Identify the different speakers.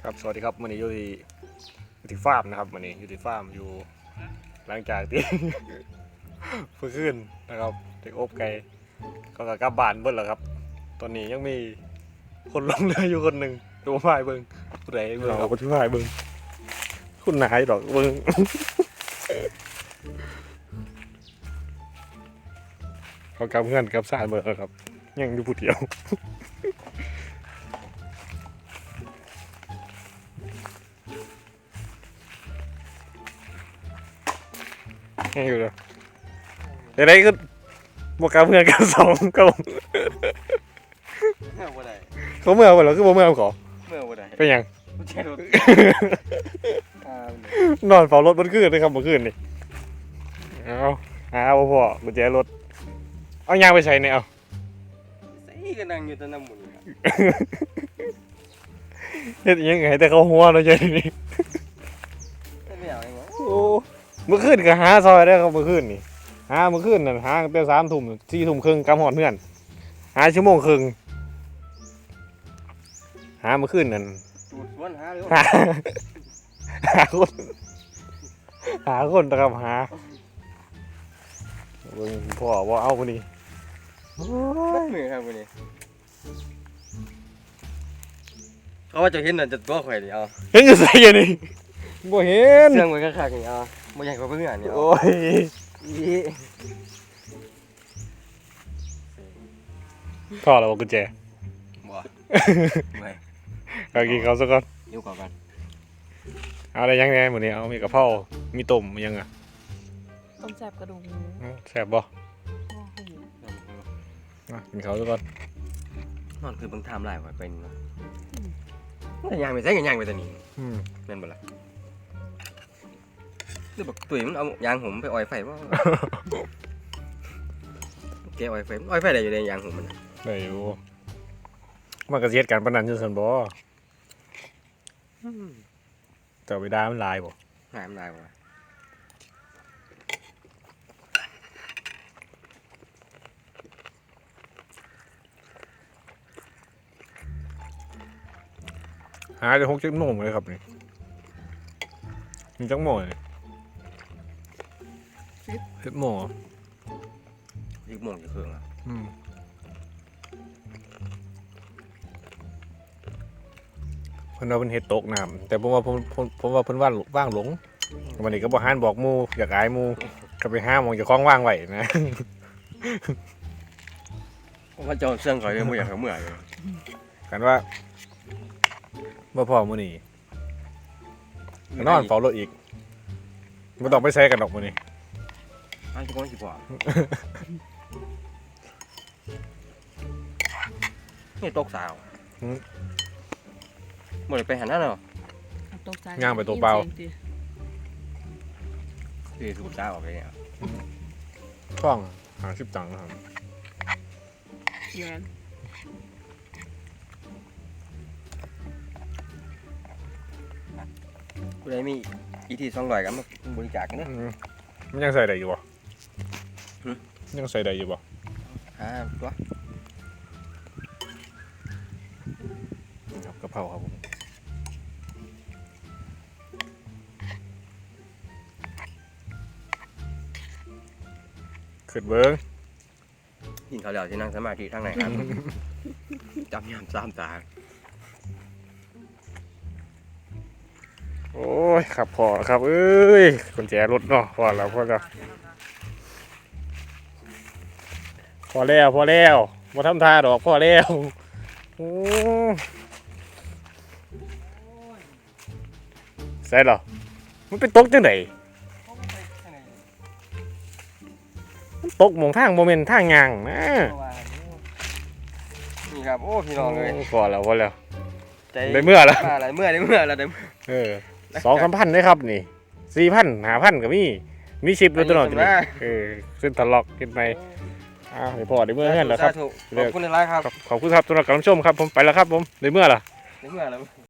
Speaker 1: ครับสวัสดีครับวันนี้อยู่ที่ฟาร์มนะครับวันนี้อยู่ที่ฟาร์มอยู่หลังจากที่ เพิ่งขึ้นนะครับเด็กอบไก่ก็กลับบ้านเบิ้ลแล้วครับตอนนี้ยังมีคนลงเรืออยู่คนหนึ่งตัวพายเบิ้งผู้ใดเบิ้งเอาผู้พายเบิ้งคุณนายดอกเบิ้ง เขากลับเงื่อนกลับสารเบิ้งแล้วครับยังอยู่ผู้เดียว ยังอยู่เลยเดี๋ยวได้ก็บวกกับเพื่อนกันสองก็
Speaker 2: เมื่อวันใด
Speaker 1: เขาเมื่อวันแล้วคือบ่เมื่อขอ
Speaker 2: เมื่อวันใด
Speaker 1: เป็นยัง
Speaker 2: ไม่ใช่รถ
Speaker 1: นอนเฝ้ารถบนคืนเลยครับเมื่อคืนนี่เอาหาพ่อกุญแจรถเอายางไปใช้เนี่ยเอา
Speaker 2: ใส่ก็นั่งอยู่แตะน้ำหมุนครับ
Speaker 1: เฮ็ดยังไงแต่เขาหัวเราะใช่นี่
Speaker 2: ไม่เอาเองวะ
Speaker 1: โอ้เมื่อคืนก็หาซอยได้ครับเมื่อคืนนี่หาเมื่อคืนนั่นหาตั้งแต่3 ทุ่ม4 ทุ่มครึ่งกำหอดเพื่อนหาชั่วโมงครึ่งหาเมื่อคืนนั่น
Speaker 2: จูดสวนหาเลย
Speaker 1: หาคนนะครับหาเบิ่งพ่อว่าเอาคนนี้
Speaker 2: บัดมือครับวันนี้เขาว่าจะเห็นน่ะจะตัวข่อยนี่เอา
Speaker 1: เห็นอยู่ใส่ยังนี่บ่เห็น
Speaker 2: เสื่องไว้คักๆนี่เอาบ่อยากกว่าเพื่อนนี่เอา
Speaker 1: โอ้ย
Speaker 2: อี
Speaker 1: พ่อเราบอกกุญแจ
Speaker 2: บ่ไม่
Speaker 1: เอากินเขาวซะก่อน
Speaker 2: อยู่ก่อนกัน
Speaker 1: เอาอะไรยังไงหมดนี้เอามีกะเพรามีต้มมียังอ่ะ
Speaker 3: ต้มแซ่บกระดูกหมู
Speaker 1: แซ่บบ่
Speaker 3: โอ้โห
Speaker 1: กินเขาวซะก่อน
Speaker 2: นอนคือเบิ่งไทม์ไลน์ไว้เป็นเนาะแต่ย่างไปใส่กันย่างไปแต่นี่
Speaker 1: อืม
Speaker 2: แม่นบ่ล่ะคือบักตุ๋ยมันเอายางผมไปออยไฟบ่แกออยไฟมันออยไฟได้อยู่ในยางผมมันน่ะ
Speaker 1: ได้อยู่มันก็สิเฮ็ดการปานนั้นอยู่ซั่นบ่แต่เวลามันหลายบ่
Speaker 2: หายมันได้บ่วะ
Speaker 1: หาได้6-7 โมงเลยครับนี่มีจักโมงนี่10 โมงเหรอ
Speaker 2: อีกโมงจะเครื่องอ่ะ
Speaker 1: อืมเพิ่นว่าเพิ่นเฮ็ดตกน้ำแต่ผมว่าผมว่าเพิ่นว่างหลงวันนี้ก็บ่หานบอกหมู่อยากอายหมู่ก็ไปหาหม้องเจ้าของว่างไว้นะ
Speaker 2: ผมว่าเจ้าเสื่องข่อยเลยบ่อยากให้เมื่อยเลย
Speaker 1: กันว่าบ่พอมื้อนี้นอนเฝ้ารถอีกบ่ต้องไปใช้กันดอกมื้อนี้
Speaker 2: อ้าวจะก้อนสิพอนี่ตกสาวบ่ได้ไปหันนั่นเนาะ
Speaker 3: ตกใจ
Speaker 1: ย่างไปตัวเปล่า
Speaker 2: คือสูบสาวออกไปเนี่ย
Speaker 1: ช่อง50 ตังค์นะครับ
Speaker 3: แยน
Speaker 2: ผู้ใดมีอีที200กันมาบริจาคกันเด้อ
Speaker 1: มันยังใส่ได้อยู่บ่
Speaker 2: หึ
Speaker 1: ยังใส่ได้อยู่บ่
Speaker 2: ตัว
Speaker 1: ครับกะเพราครับผมขึ้นเบิ่ง
Speaker 2: กินข้าวแล้วสินั่งสมาธิทางไหนครับ จำยาม3ตา
Speaker 1: โอ้ยครับพอครับเอ้ยกุญแจรถเนาะพอแล้วพอแล้วบ่ทำท่าดอกพอแล้วโอ้ใส่เหรอมันเป็นตกจังไดมันตกหม่องทางบ่แม่นทางย่างนะ
Speaker 2: นี่ครับโอ้พี่น้องเลย
Speaker 1: พอแล้ว
Speaker 2: ใจ
Speaker 1: ได้เมื่อแล้ว
Speaker 2: อะไรเมื่อได้เมื่อแล้วได้เมื่อ
Speaker 1: เออ2-3 พันเลยครับนี่4,000 5,000ก็มีชิปด้วยตัวเนาะ
Speaker 2: ไปอยู่
Speaker 1: ขึ้นทะลอกขึ้นไปอ้าวเดี๋ยวพอได้เมื่อเฮือนแล้วครับ
Speaker 2: ขอบคุณหลายๆครับ
Speaker 1: ขอบคุณครับสำหรับการรับชมครับผมไปแล้วครับผมได้เมื่อล่ะ
Speaker 2: ได้เมื่อแล้ว